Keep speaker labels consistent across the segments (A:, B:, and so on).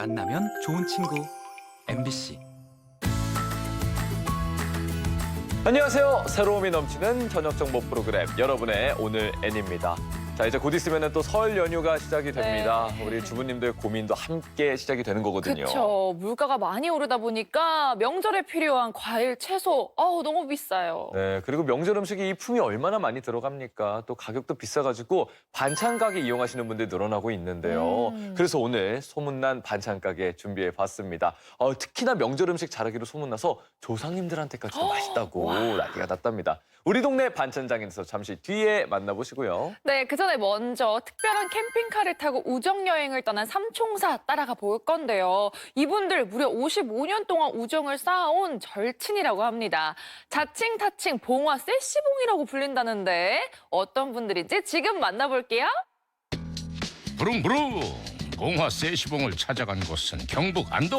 A: 만나면 좋은 친구 MBC.
B: 안녕하세요. 새로움이 넘치는 저녁 정보 프로그램 여러분의 오늘 N입니다. 자, 이제 곧 있으면 또 설 연휴가 시작이 됩니다.
C: 네.
B: 우리 주부님들 고민도 함께 시작이 되는 거거든요.
C: 그렇죠. 물가가 많이 오르다 보니까 명절에 필요한 과일, 채소 너무 비싸요.
B: 네, 그리고 명절 음식이 이 품이 얼마나 많이 들어갑니까? 또 가격도 비싸가지고 반찬 가게 이용하시는 분들이 늘어나고 있는데요. 그래서 오늘 소문난 반찬 가게 준비해봤습니다. 특히나 명절 음식 잘하기로 소문나서 조상님들한테까지도 맛있다고 난리가 났답니다. 우리 동네 반찬장에서 잠시 뒤에 만나보시고요.
C: 네, 그 전에 먼저 특별한 캠핑카를 타고 우정여행을 떠난 삼총사 따라가 볼 건데요. 이분들 무려 55년 동안 우정을 쌓아온 절친이라고 합니다. 자칭, 타칭, 봉화, 세시봉이라고 불린다는데 어떤 분들인지 지금 만나볼게요.
D: 부릉부릉 봉화 세시봉을 찾아간 곳은 경북 안동.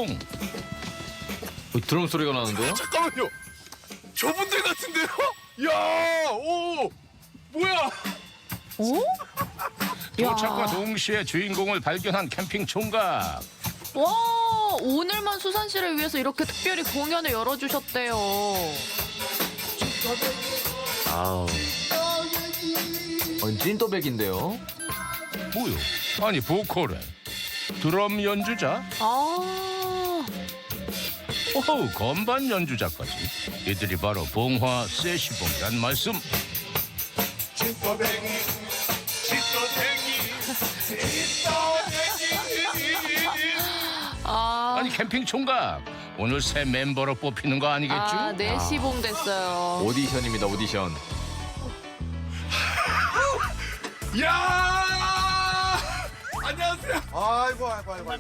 B: 드럼 소리가 나는데요?
E: 잠깐만요. 저분들 같은데요? 야, 오, 뭐야?
D: 도착과 동시에 주인공을 발견한 캠핑 총각.
F: 와, 오늘만 수산시를 위해서 이렇게 특별히 공연을 열어주셨대요.
B: 아우. 찐또백인데요?
D: 뭐요? 아니 보컬에 드럼 연주자? 오호, 건반 연주자까지. 이들이 바로 봉화 세시봉이란 말씀. 아니 캠핑 총각, 오늘 새 멤버로 뽑히는 거 아니겠죠?
F: 네, 시봉 됐어요.
B: 오디션입니다, 오디션.
E: 야! 안녕하세요.
G: 아이고.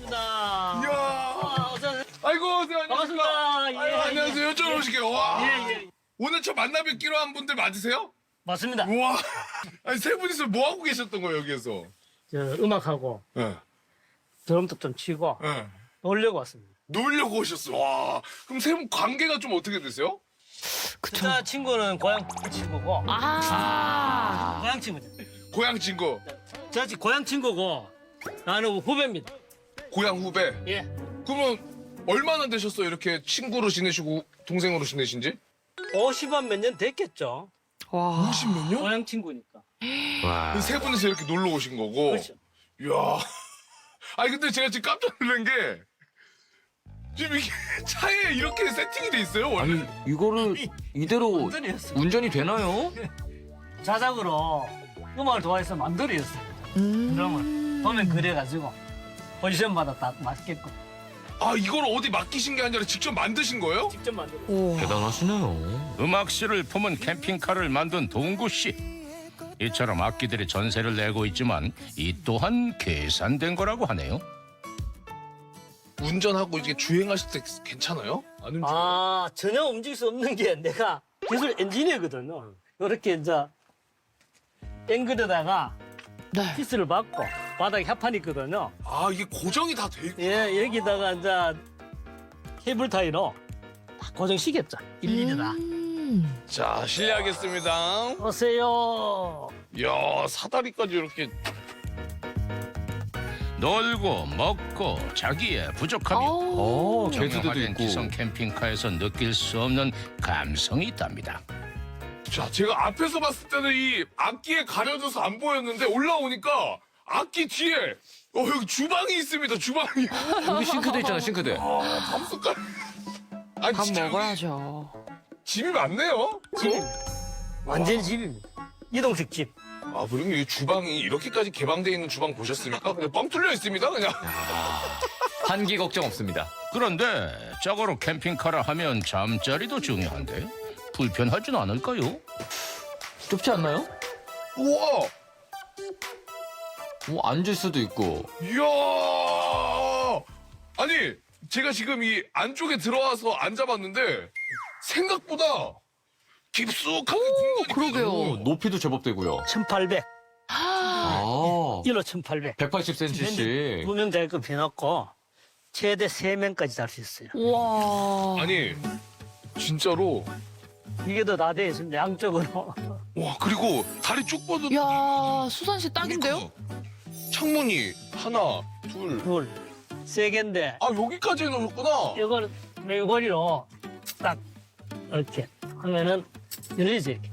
E: 이야. 아이고, 안녕하세요.
H: 반갑습니다.
E: 아이고,
H: 예,
E: 안녕하세요. 여쭤보실게요 와.
H: 예.
E: 오늘 저 만나 뵙기로 한 분들 맞으세요?
H: 맞습니다.
E: 우와. 아니, 세 분이서 뭐 하고 계셨던 거예요, 여기에서?
H: 저 음악하고
E: 예.
H: 드럼도 좀 치고
E: 예.
H: 놀려고 왔습니다.
E: 놀려고 오셨어. 와. 그럼 세 분 관계가 좀 어떻게 되세요?
H: 진짜 친구는 고향 친구고 고향 친구죠.
E: 고향 친구,
H: 저 고향 친구고 나는 후배입니다.
E: 고향 후배.
H: 예.
E: 그러면 얼마나 되셨어요? 이렇게 친구로 지내시고 동생으로 지내신지?
H: 50만 몇 년 됐겠죠.
E: 50몇 년?
H: 고향 친구니까.
E: 세 분이서 이렇게 놀러 오신 거고.
H: 그렇죠.
E: 이야. 아니 근데 제가 지금 깜짝 놀란 게 지금 이게 차에 이렇게 세팅이 돼 있어요 원래?
B: 이거를 이대로
H: 완전히 했어요.
B: 운전이 되나요?
H: 자작으로 음악을 좋아해서 만들어였어요. 드럼을 보면 그래가지고 포지션마다 딱 맞겠고
E: 아 이걸 어디 맡기신 게 아니라 직접 만드신 거예요?
H: 직접 만들어.
B: 대단하시네요.
D: 음악실을 품은 캠핑카를 만든 동구 씨. 이처럼 악기들이 전세를 내고 있지만 이 또한 계산된 거라고 하네요.
E: 운전하고 이게 주행하실 때 괜찮아요? 안 움직여요?
H: 전혀 움직일 수 없는 게 내가 기술 엔지니어거든요. 이렇게 이제 앵글에다가 피스를 받고 바닥에 합판이 있거든요.
E: 아 이게 고정이 다 돼 있고.
H: 예, 여기다가 이제 케이블 타이로 다 고정시켰죠. 일일이 다.
E: 자 실례하겠습니다.
H: 오세요.
E: 이야 사다리까지 이렇게.
D: 놀고 먹고 자기의 부족함이
B: 개수대도
D: 정형화된
B: 있고.
D: 기성 캠핑카에서 느낄 수 없는 감성이 있답니다.
E: 자 제가 앞에서 봤을 때는 이 악기에 가려져서 안 보였는데 올라오니까 악기 뒤에 여기 주방이 있습니다. 주방이.
B: 여기 싱크대 있잖아, 싱크대.
E: 밥 숟갈. 아니
F: 밥
E: 진짜 여기
F: 먹어야죠.
E: 집이 많네요.
H: 집입니다. 완전 집입니다. 이동식 집.
E: 아, 그럼 이 주방이 이렇게까지 개방돼 있는 주방 보셨습니까? 그냥 뻥 뚫려 있습니다, 그냥.
B: 한기 걱정 없습니다.
D: 그런데 저거로 캠핑카라 하면 잠자리도 중요한데 불편하진 않을까요?
B: 좁지 않나요?
E: 우와,
B: 앉을 수도 있고.
E: 이야. 아니, 제가 지금 이 안쪽에 들어와서 앉아봤는데 생각보다 깊숙하게 공간이
F: 그러게요.
B: 높이도 제법 되고요.
H: 1800.
B: 아,
H: 1호 1800.
B: 180cm씩.
H: 2명 자리끔 비놓고 최대 3명까지 잘 수 있어요.
F: 와.
E: 아니, 진짜로.
H: 이게 더 다 돼 있습니다. 양쪽으로.
E: 와, 그리고 다리 쭉 뻗은.
F: 야, 수산시 딱인데요?
E: 창문이 하나, 둘,
H: 둘. 세 개인데
E: 아, 여기까지 해놓으셨구나.
H: 이걸 메고리로 딱 이렇게 하면은 열리지 이렇게.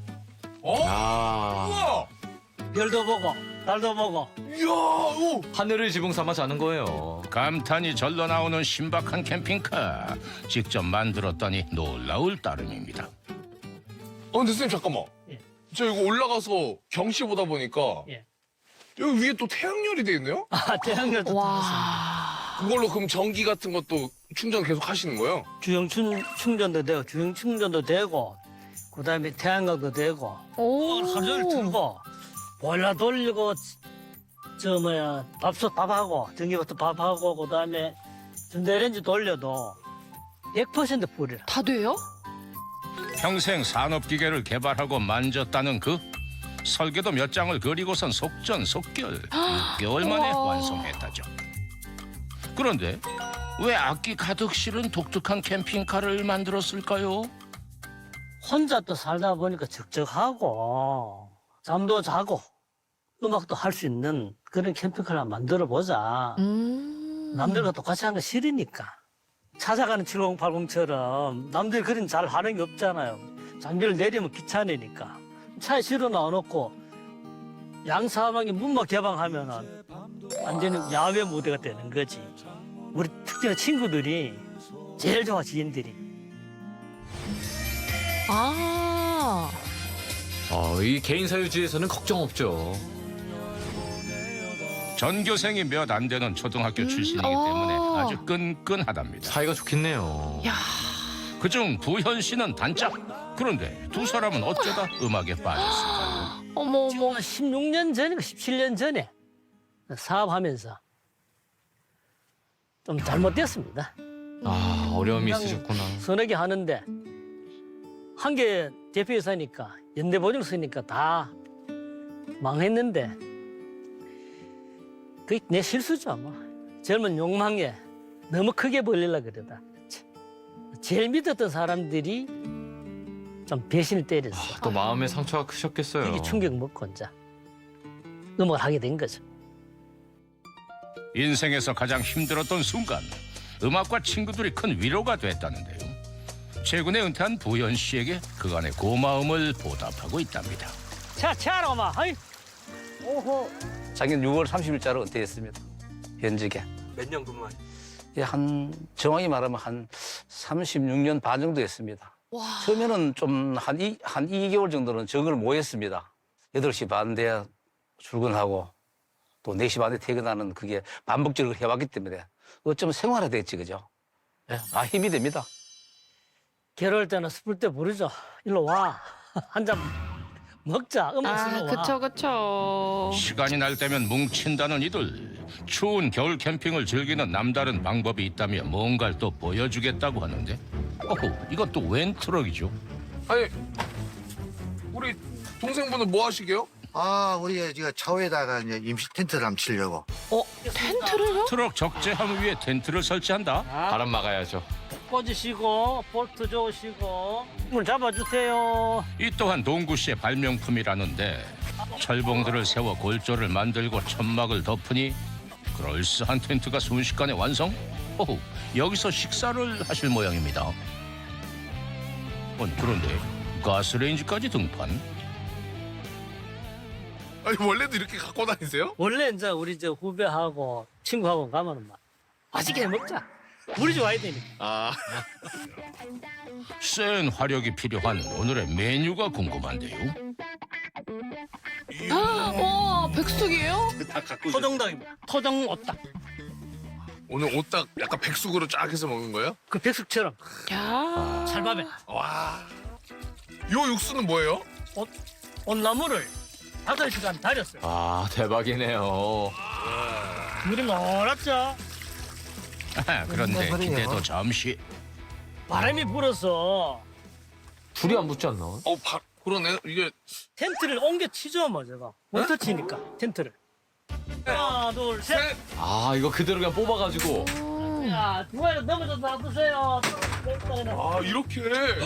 E: 우와!
H: 별도 보고 달도 보고.
E: 이야, 오!
B: 하늘을 지붕 삼아 자는 거예요.
D: 감탄이 절로 나오는 신박한 캠핑카. 직접 만들었더니 놀라울 따름입니다.
E: 근데 선생님, 잠깐만.
H: 예.
E: 저 이거 올라가서 경치 보다 보니까
H: 예.
E: 여기 위에 또 태양열이 돼 있네요?
H: 태양열도 들었습니다.
C: 와.
E: 그걸로 그럼 전기 같은 것도 충전 계속 하시는 거예요?
H: 주행 충전도 되고 주행 충전도 되고 그다음에 태양광도 되고
C: 오.
H: 하루 종일 틀고 보일러 돌리고 저 뭐야 밥하고 전기부터 밥하고 그다음에 전자레인지 돌려도 100% 불이라.
C: 다 돼요?
D: 평생 산업기계를 개발하고 만졌다는 그 설계도 몇 장을 그리고선 속전속결 6개월 만에
C: 우와.
D: 완성했다죠. 그런데 왜 악기 가득 실은 독특한 캠핑카를 만들었을까요?
H: 혼자 또 살다 보니까 적적하고 잠도 자고 음악도 할 수 있는 그런 캠핑카를 한번 만들어 보자. 남들과 똑같이 하는 거 싫으니까. 찾아가는 7080처럼 남들이 그런 잘 하는 게 없잖아요. 장비를 내리면 귀찮으니까. 차에 실어 놔놓고 양사방에 문만 개방하면은 완전히 야외 무대가 되는 거지. 우리 특별히 친구들이 제일 좋아, 지인들이.
C: 아.
B: 이 개인 사유지에서는 걱정 없죠.
D: 전교생이 몇 안 되는 초등학교 출신이기 때문에 아주 끈끈하답니다.
B: 사이가 좋겠네요.
C: 야.
D: 그중 부현 씨는 단짝. 그런데 두 사람은 어쩌다 음악에 빠졌을까요?
C: 어머
H: 지금
C: 어머.
H: 16년 전인가 17년 전에 사업하면서 좀 잘못됐습니다.
B: 어려움이
H: 그냥
B: 있으셨구나.
H: 서너 개 하는데 한 개 대표이사니까 연대보증 쓰니까 다 망했는데 그게 내 실수죠 아마. 젊은 욕망에 너무 크게 벌리려고 그러다. 제일 믿었던 사람들이 좀 배신을 때렸어.
B: 또 마음의 상처가 크셨겠어요.
H: 이게 충격 먹고 이제 음악을 하게 된 거죠.
D: 인생에서 가장 힘들었던 순간 음악과 친구들이 큰 위로가 됐다는데요. 최근에 은퇴한 부현 씨에게 그간의 고마움을 보답하고 있답니다.
H: 차로 엄마. 아이. 오호.
G: 작년 6월 30일자로 은퇴했습니다. 현직에.
H: 몇 년 근무한?
G: 예, 정확히 말하면 한 36년 반 정도 했습니다.
C: 와.
G: 처음에는 좀 한 2개월 정도는 정을 못 했습니다. 8시 반 돼야 출근하고 또 4시 반에 퇴근하는 그게 반복적으로 해왔기 때문에 어쩌면 생활화됐지, 그죠? 예, 힘이 됩니다.
H: 괴로울 때는 슬플 때 부르죠. 일로 와. 한 잔 먹자. 음악
C: 아,
H: 쓰러 와.
C: 그쵸 그쵸.
D: 시간이 날 때면 뭉친다는 이들. 추운 겨울 캠핑을 즐기는 남다른 방법이 있다며 뭔가를 또 보여주겠다고 하는데 이건 또 웬 트럭이죠?
E: 아니, 우리 동생분은 뭐 하시게요?
I: 우리 지금 차후에다가 이제 임시 텐트를 한번 치려고.
C: 텐트를요?
D: 트럭 적재함 위에 텐트를 설치한다?
B: 바람 막아야죠.
H: 꽂으시고 볼트 좋으시고 문 잡아주세요.
D: 이 또한 동구 씨의 발명품이라는데 철봉들을 세워 골조를 만들고 천막을 덮으니 그럴싸한 텐트가 순식간에 완성? 여기서 식사를 하실 모양입니다. 그런데 가스레인지까지 등판?
E: 아니, 원래도 이렇게 갖고 다니세요?
H: 원래 이제 우리 저 후배하고 친구하고 가면은 막 맛있게 먹자. 우리 좋아야 되니까.
D: 센 화력이 필요한 오늘의 메뉴가 궁금한데요.
C: 와 백숙이에요?
H: 토종닭입니다. 토종 오닭.
E: 오늘 오딱 약간 백숙으로 쫙 해서 먹는 거예요?
H: 그 백숙처럼
C: 야.
H: 찰밥에
E: 와. 요 육수는 뭐예요?
H: 온나무를 5시간 달였어요.
B: 대박이네요.
H: 물이 노랗죠.
D: 그런데 기대도 잠시.
H: 바람이 불어서
B: 불이 안 붙지 않나?
E: 그러네. 이게
H: 텐트를 옮겨 치죠, 뭐 제가. 몬터 치니까 텐트를. 하나, 둘, 셋.
E: 셋.
B: 이거 그대로 그냥 뽑아가지고.
H: 야, 누가 넘어져서 놔두세요.
E: 이렇게.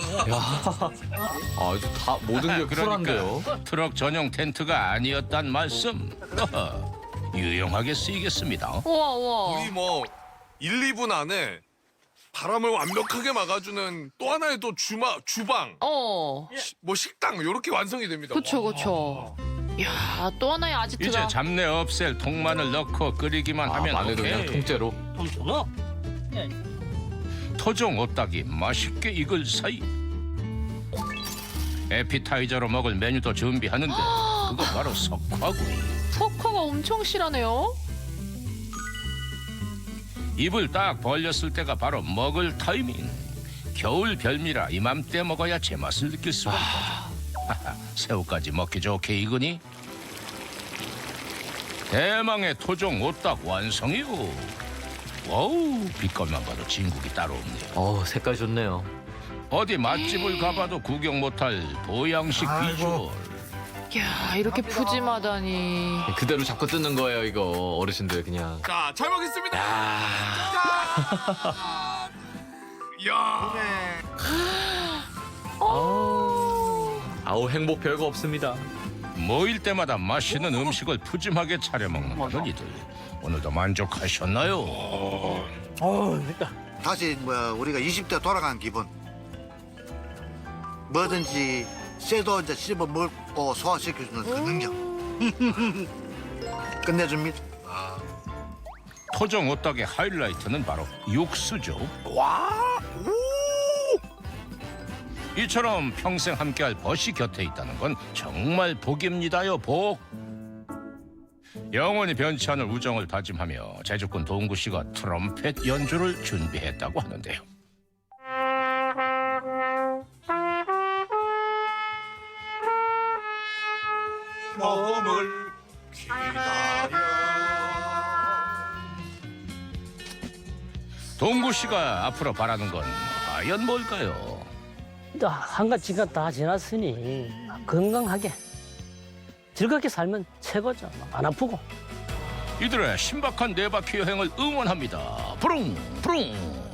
B: 아주 다 모든 게 쿨한데요.
D: 그러니까 트럭 전용 텐트가 아니었단 말씀. 유용하게 쓰이겠습니다.
C: 우와 우와.
E: 우리 뭐 1, 2분 안에 바람을 완벽하게 막아주는 또 하나의 또 주방, 뭐 식당 이렇게 완성이 됩니다.
F: 그쵸, 그쵸. 이야, 또 하나의 아지트가.
D: 이제 잡내 없앨 통마늘 넣고 끓이기만 하면
B: 마늘도 그냥
D: 오케이.
B: 통째로.
H: 좀 주노?
D: 토종 오딱이 맛있게 익을 사이 에피타이저로 먹을 메뉴도 준비하는데 그거 바로 석화구이.
F: 석화가 엄청 실하네요.
D: 입을 딱 벌렸을 때가 바로 먹을 타이밍. 겨울 별미라 이맘때 먹어야 제맛을 느낄 수가 있다. 새우까지 먹기 좋게 익으니 대망의 토종 오딱 완성이요. 와우, 빛깔만 봐도 진국이 따로 없네요.
B: 색깔 좋네요.
D: 어디 맛집을 가봐도 구경 못할 보양식 비주얼.
F: 이야, 이렇게 푸짐하다니.
B: 그대로 잡고 뜯는 거예요, 이거. 어르신들 그냥.
E: 자, 잘 먹겠습니다. 야,
B: 아우, 행복 별거 없습니다.
D: 모일 때마다 맛있는 음식을 푸짐하게 차려 먹는 어른이들. 오늘도 만족하셨나요?
I: 다시 우리가 20대 돌아간 기분. 뭐든지 쇠도 이제 씹어 먹고 소화시켜주는 그 능력. 끝내줍니다.
D: 토종 오딱의 하이라이트는 바로 육수죠. 이처럼 평생 함께할 벗이 곁에 있다는 건 정말 복입니다요, 복. 영원히 변치 않을 우정을 다짐하며 제주꾼 동구 씨가 트럼펫 연주를 준비했다고 하는데요.
E: 머물 기다려.
D: 동구 씨가 앞으로 바라는 건 과연 뭘까요?
H: 한갓 지가 다 지났으니 건강하게 즐겁게 살면 최고죠. 안 아프고.
D: 이들의 신박한 네바퀴 여행을 응원합니다. 부릉 부릉.